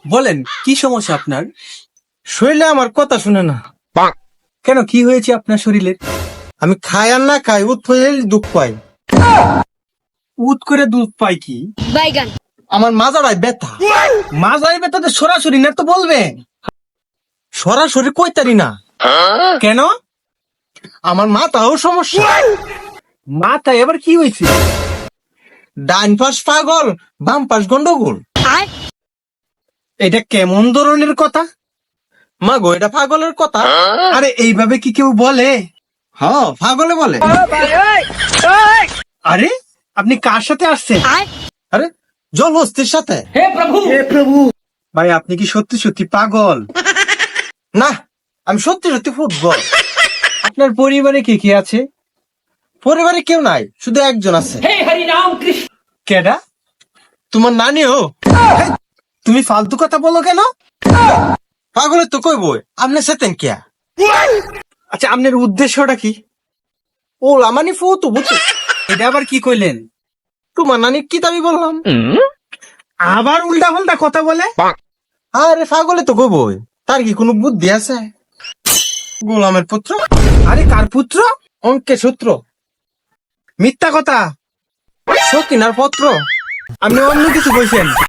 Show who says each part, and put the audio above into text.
Speaker 1: বলেন কি সমস্যা আপনার?
Speaker 2: শরীরে আমার কথা শুনে না।
Speaker 1: কেন, কি হয়েছে আপনার শরীরে?
Speaker 2: আমি খাই আর না খাই উৎফুল্ল দুঃখ পাই।
Speaker 1: উত করে দুধ পাই কি?
Speaker 3: বাইগান।
Speaker 2: আমার মাজারায় ব্যথা।
Speaker 1: মাজায় ব্যথাতে সরাসরি না তো বলবেন।
Speaker 2: সরাসরি কইতারি না।
Speaker 1: কেন?
Speaker 2: আমার মাথাও সমস্যা।
Speaker 1: মাথায় এবার কি হয়েছে?
Speaker 2: ডান পাশ পাগল, বাম পাশ গন্ডগোল।
Speaker 3: আর
Speaker 1: এটা কেমন ধরনের কথা?
Speaker 2: মা গো, এটা পাগলের কথা।
Speaker 1: আরে এইভাবে কি কেউ বলে?
Speaker 2: হ্যাঁ, পাগলে বলে।
Speaker 1: আরে আপনি কার সাথে আসছেন?
Speaker 3: আর
Speaker 2: আরে জল হস্তির সাথে।
Speaker 1: ভাই আপনি কি সত্যি সত্যি পাগল?
Speaker 2: না, আমি সত্যি সত্যি ফুটবল।
Speaker 1: আপনার পরিবারে কে কে আছে?
Speaker 2: পরিবারে কেউ নাই, শুধু একজন আছে।
Speaker 1: কেডা?
Speaker 2: তোমার নানিও।
Speaker 1: তুমি ফালতু কথা বলো কেন?
Speaker 2: পাগলের তো কইবই, আপনি সেতেন কিয়া?
Speaker 1: আচ্ছা, আপনার উদ্দেশ্যটা কি?
Speaker 2: ও লামানি ফু তো বুঝছো।
Speaker 1: এটা আবার কি কইলেন?
Speaker 2: তোমার নানি কি দাবি বললাম?
Speaker 1: আবার উল্টা পাল্টা কথা বলে।
Speaker 2: আরে পাগলে তো কইবই, তার কি কোনো বুদ্ধি আছে? গোলামের পুত্র,
Speaker 1: আরে কার পুত্র?
Speaker 2: অঙ্কের সূত্র,
Speaker 1: মিথ্যা কথা।
Speaker 2: সকিনার পত্র।
Speaker 1: আপনি অন্য কিছু কইছেন।